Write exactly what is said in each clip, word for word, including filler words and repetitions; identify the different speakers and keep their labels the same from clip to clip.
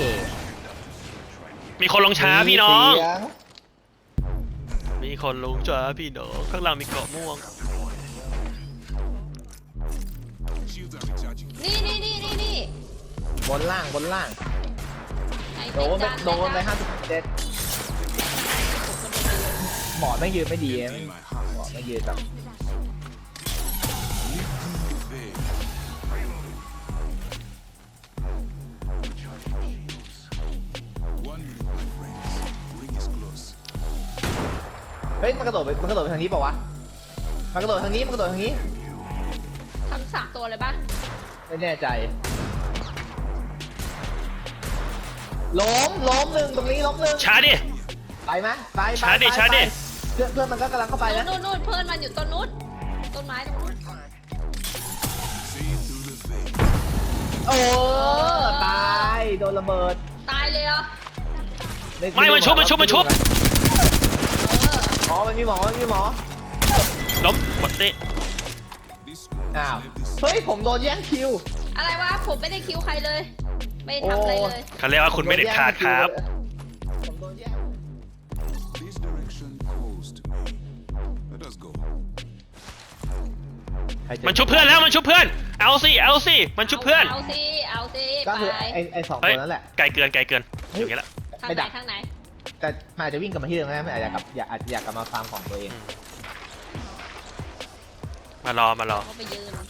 Speaker 1: มีคนลงช้าพี่น้องมีคนลงช้าพี่น้องข้างหลังมีเกาะม่วง
Speaker 2: นี่นี่นี่นี่นี่
Speaker 3: บนล่างบนล่างโดนโดนไปห้าสิบเจ็ดหมอไม่ยืนไม่ดีหมอไม่ยืนแบบเฮ้ยมันกระโดดไปมันกระโดดไปทางนี้เปล่าวะมันกระโดดทางนี้มันกระโดดทางนี้
Speaker 2: ทั้งสามตัวเลยปะ
Speaker 3: ไม่แน่ใจล้มล้มหนึ่งตรงนี้ล้มหนึ่ง
Speaker 1: ช้าดิ
Speaker 3: ไปไหมไป
Speaker 1: ช้าดิช้าดิ
Speaker 3: เพื่อนเพื่อนมันก็กำลังเข้าไปแล้ว
Speaker 2: นู่นนู่นเพื่อนมันอยู่ต้นนู้นต้นไม้ตรงนู้น
Speaker 3: โอ้ตายโดนระเบิด
Speaker 2: ตายเลยเหรอ
Speaker 1: ไม่มันชุบมันชุบมันชุบ
Speaker 3: อ๋อมันมีหมอมันมีหมอ
Speaker 1: ล้มหมดสิ
Speaker 3: อ้าวเฮ้ยผมโดนแย่งคิว
Speaker 2: อะไรวะผมไม่ได้คิวใครเลยไม่ทำอะไรเลย
Speaker 1: เขาเรียกว่าคุณไม่เด็ดขาดครับมันชุบเพื่อนแล้วมันชุบเพื่อนเอาสิเอาสิมันชุบเพื่อน
Speaker 2: เอาสิเอาสิ
Speaker 3: ก็คือไอไอสองตัวนั่นแหละ
Speaker 1: ไกลเกินไกลเกินอย่างนี้ละ
Speaker 2: ไม่ดักทางไหน
Speaker 3: แต่อาจจะวิ่งกลับมาที่เดิมนะไม่อาจจะกลับอยากอาจจะอยากกลับมาฟาร์มของตัวเอง
Speaker 1: มารอมารอ
Speaker 2: เขาไปยืน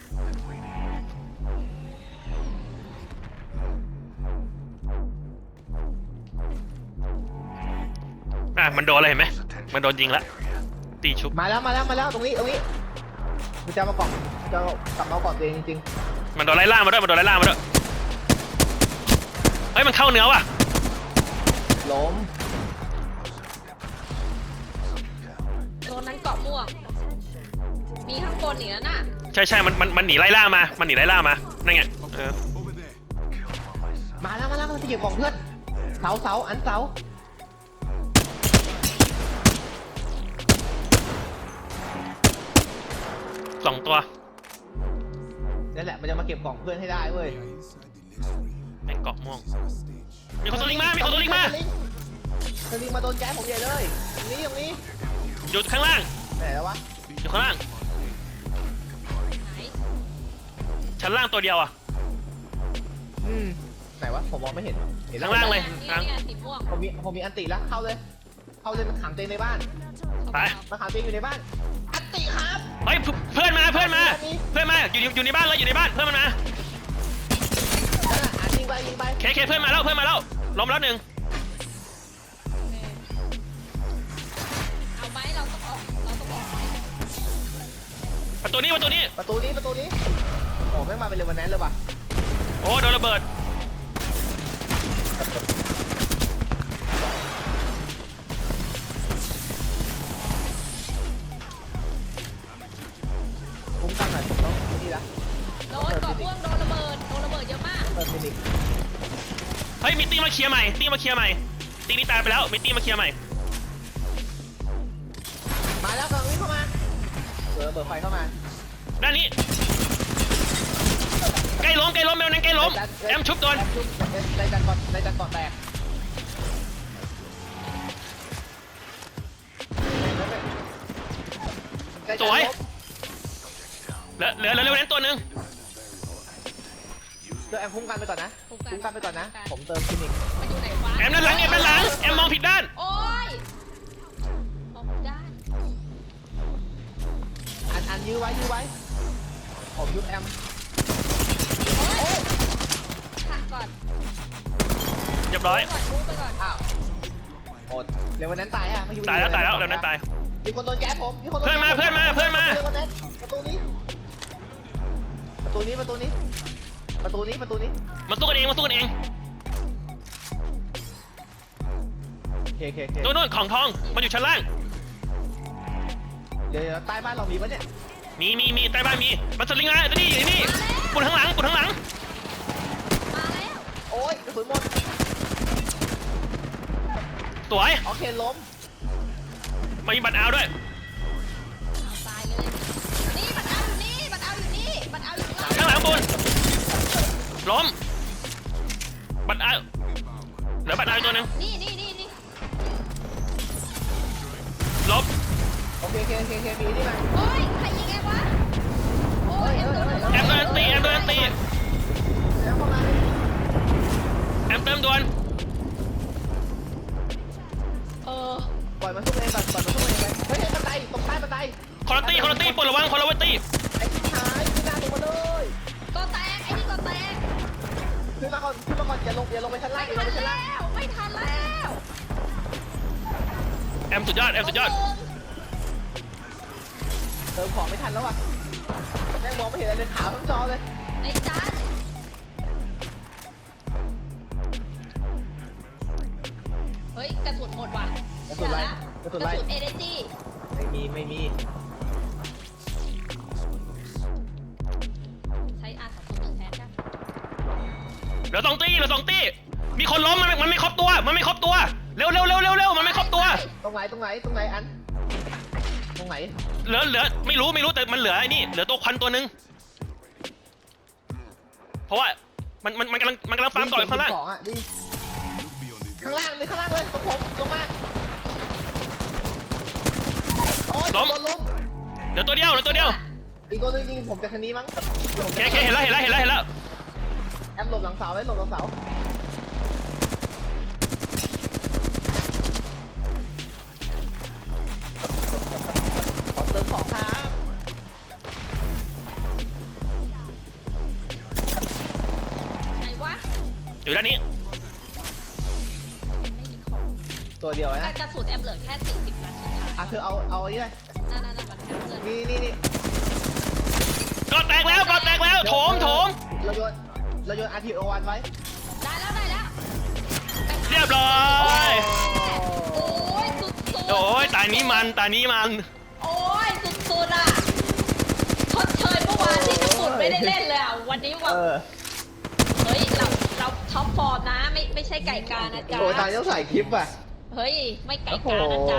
Speaker 1: อ่ะมันโดนอะไรเห็นไหมมันโดนยิงแล้วตีชุบ
Speaker 3: มาแล้วมาแล้วมาแล้วตรงนี้ตรงนี้มันจะมาเกาะจะกลับมาเกาะตัวเองจริง
Speaker 1: ๆมันโดนไล่ล่ามาด้วยมันโดนไล่ล่ามาด้วยเฮ้ยมันเข้าเนื้อว่ะ
Speaker 3: ล้ม
Speaker 2: โดนนั้นเกาะม่วงมีข้างบนอีกแล้วน่ะ
Speaker 1: ใช่ใช่มันมันมันหนีไล่ล่ามามันหนีไล่ล่ามานั่นไงเออ
Speaker 3: มาแล้วมาแล้วมันจะเก็บของเพื่อนเสาเสาอันเสา
Speaker 1: สองตัว
Speaker 3: นั่นแหละมันจะมาเก็บกล่องเพื่อนให้ได้เว้ย
Speaker 1: แม่งเกาะม่วงมีคนตัวลิงมามีคนตัวลิงมา
Speaker 3: ตัวลิงมาโดนแก๊สผมใหญ่เลยตรงนี้ตรงนี้
Speaker 1: อยู่ข้างล่าง
Speaker 3: ไหนแล้ววะ
Speaker 1: อยู่ข้างล่างชั้นล่างตัวเดียวอ่ะ
Speaker 3: อืมไหนวะผมมองไม่เห็น
Speaker 1: เห็นข้างล่างเลย
Speaker 3: ผมมีผมมีอันติแล้วเข้าเลยเข้าเลยมันขังเต็มในบ้าน
Speaker 1: ไป
Speaker 3: มันขังเต็มอยู่ในบ้านอันติครับ
Speaker 1: เฮ้ยเพื่อนมาเพื่อนมาเพื่อนมาอยู่อยู่ในบ้านเลยอยู่ในบ้านเพื่อนมันมา
Speaker 3: ยิงไปยิงไป
Speaker 1: เคเคเพื่อนมาแล้วเพื่อนมาแล้วล้มแล้วหนึ่ง
Speaker 2: เอาไหมเราต้องออกเราต้องออก
Speaker 1: ประตูนี้ประตูนี้
Speaker 3: ประตูนี้ประตูนี้โอ้ไม่มาเป็นเรวันแนนเลยว่ะ
Speaker 1: โอ้โดนระเบิด
Speaker 3: คุ้มกันหน่อยผมต้องนี่ละ
Speaker 2: โดนเกาะม่วงโดนระเบิดโดนระเบิดเยอะมาก
Speaker 3: เปิดฟินิก
Speaker 1: เฮ้ยมีตีมาเคลียร์ใหม่ตีมาเคลียร์ใหม่ตีนี้ตายไปแล้วมีตีมาเคลียร์ใหม่
Speaker 3: มาแล้วกำลังวิ่งเข้ามาเปิดเปิดไฟเข้ามา
Speaker 1: ด้านนี้ใกล้ล้มใกล้ล้มแมวนั้นใกล้ล้มแอมชุบโดน
Speaker 3: ในจันก่อนในจันก่อนแตก
Speaker 1: สวยเหลือเหลือเหลือเร็วนั้นตัวหนึ่ง
Speaker 3: เดี๋ยวแอมคุ้มกันไปก่อนนะคุ้มกันไปก่อนนะผมเติมฟินิก
Speaker 1: แอมด้านหลังแอมด้านหลังแอมมองผิดด้าน
Speaker 2: โอ้ยมองผิดด้าน
Speaker 3: อันอันยื้อไว้ยื้อไว้ผมยุบแอม
Speaker 2: ขัดก่อน
Speaker 1: เรียบร้อย
Speaker 2: ไปก่อน
Speaker 3: อ้าวอดเร็ววันนั้นตายอ่ะ
Speaker 1: ตายแล้วตายแล้วเร็วนั้นตาย
Speaker 3: มีคนโดนแก๊สผมมีคนโดน
Speaker 1: เพื่อนมาเพื่อนมาเพื่อนมา
Speaker 3: ประตูนี้ประตูนี้ประตูนี้ประตูนี้ประตูนี้
Speaker 1: มาสู้กันเองมาสู้กันเอง
Speaker 3: เคเคเค
Speaker 1: ตัวนู้นของทองมันอยู่ชั้นล่าง
Speaker 3: เดี๋ยวใต้บ้านเรามีปะเนี่ย
Speaker 1: มีมีมีใต้บ้านมีมันสลิงมาตัวนี้อยู่นี่ปุ่นข้างหลังปุ่นข้างหลัง
Speaker 2: มาแล้ว
Speaker 3: โอ้ยกระสุนหมด
Speaker 1: สวย
Speaker 3: โอเคล้ม
Speaker 1: มีบัตรเอาด้วย
Speaker 2: ตายเลยนี่บัตรเอาอยู่นี่บัตรเอาอยู่นี่บัตรเอาอยู่
Speaker 1: ข้างหลังปุ่นล้มบัตรเอาตี้ปลดระวังคนละเวตี้
Speaker 3: ไอ้ที่ท้ายขึ้นหน้าลงมาเลย
Speaker 2: ก็แตกไอ้นี่ก็แตก
Speaker 3: ขึ้นมาก่อนขึ้นมาก่อนอย่าลงอย่าลงไปชั้นล่า
Speaker 2: ไม่
Speaker 3: งอย่าล
Speaker 2: ทั
Speaker 3: ง
Speaker 2: น
Speaker 3: ไปชั้นล่าง
Speaker 2: แล้วไม่ทันแล้ว
Speaker 1: แอมสุดยอดแอมสุดยอด
Speaker 3: เติมของไม่ทันแล้วอ่ะแม่งมองไม่เห็นอะไรเลยขาวทั้งจอเลย
Speaker 2: ไอ้จันเฮ้ยกระสุนหมดว่ะ
Speaker 3: กระสุนไรกระสุนไร
Speaker 2: กระสุนเอเนจี
Speaker 3: ไม่มีไม่มี
Speaker 2: ใช้อาสามศูนย์หนึ่งแทนกัน
Speaker 1: เหลือสองตีเหลือสองตีมีคนล้มมันไม่มันไม่ครบตัวมันไม่ครบตัวเร็วเร็วเร็วเร็วเร็วมันไม่ครบตัว
Speaker 3: ตรงไหนตรงไหนตรงไหนอันตรงไหน
Speaker 1: เหลือเหลือไม่รู้ไม่รู้แต่มันเหลือไอ้นี่เหลือตัวควันตัวหนึงเพราะว่ามันมันมันกำลังมันกำลังฟาร์มต่ออยู่ข้างล่าง
Speaker 3: สองอ่ะดิข้างล่างเลยข้างล่างเลยตรงผมลงมาโอ้ยโดนล้ม
Speaker 1: เหลือตัวเดียวเหลือตัวเดียว
Speaker 3: อีกตัวนึงยิงผมจากทางนี้มั้ง
Speaker 1: โอเคโอเคเห็นแล้วเห็นแล้วเห็นแล้วเห็นแล้ว
Speaker 3: แอมหลบหลังเสาไว้หลบหลังเสาขอเติมของครับ
Speaker 2: ไหนวะ
Speaker 1: อยู่ด้านนี้
Speaker 2: ไม่มีของ
Speaker 3: ตัวเดียวนะ
Speaker 2: กระสุนแอมเหลือแค่สี่สิบนัดสุดท้าย
Speaker 3: อ่ะเธอเอาเอาอันนี้เลย
Speaker 2: นั่นนั่นนั่นมันแคปเจอร์
Speaker 3: นี่นี่นี่
Speaker 1: ก็แตกแล้วก็แตกแล้วโถมโถม
Speaker 3: เราโยนเราโยน อาร์ ที โอ วันไว้
Speaker 2: ได้แล้วได้แล้ว
Speaker 1: เรียบร้อย
Speaker 2: โอ้ยสุดๆ
Speaker 1: โอ้ยตานี้มันตานี้มัน
Speaker 2: โอ้ยสุดๆอ่ะชดเชยเมื่อวานที่กระสุนไม่ได้เล่นเลยอ่ะวันนี้ว่า
Speaker 3: เออ
Speaker 2: เฮ้ยเราเราท็อปฟอร์มนะไม่ไม่ใช่ไก่กานะจ๊ะ
Speaker 3: โอ้ยตายต้องใส่คลิปอ่ะ
Speaker 2: เฮ้ยไม่ไก่
Speaker 3: โอ้โห
Speaker 2: กานะจ๊ะ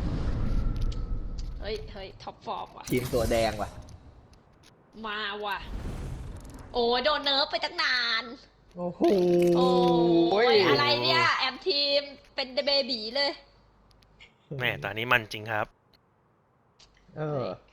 Speaker 2: เฮ้ยเฮ้ยท็อปฟอร์มว่ะ
Speaker 3: ทีมตัวแดงว่ะ
Speaker 2: มาว่ะโอ้ยโดนเนิร์ฟไปตั้งนาน
Speaker 3: โอ้โห
Speaker 2: โอ้ยอะไรเนี่ยแอมทีมเป็นเบบีเลย
Speaker 1: แม่ตานี้มันจริงครับ
Speaker 3: เออ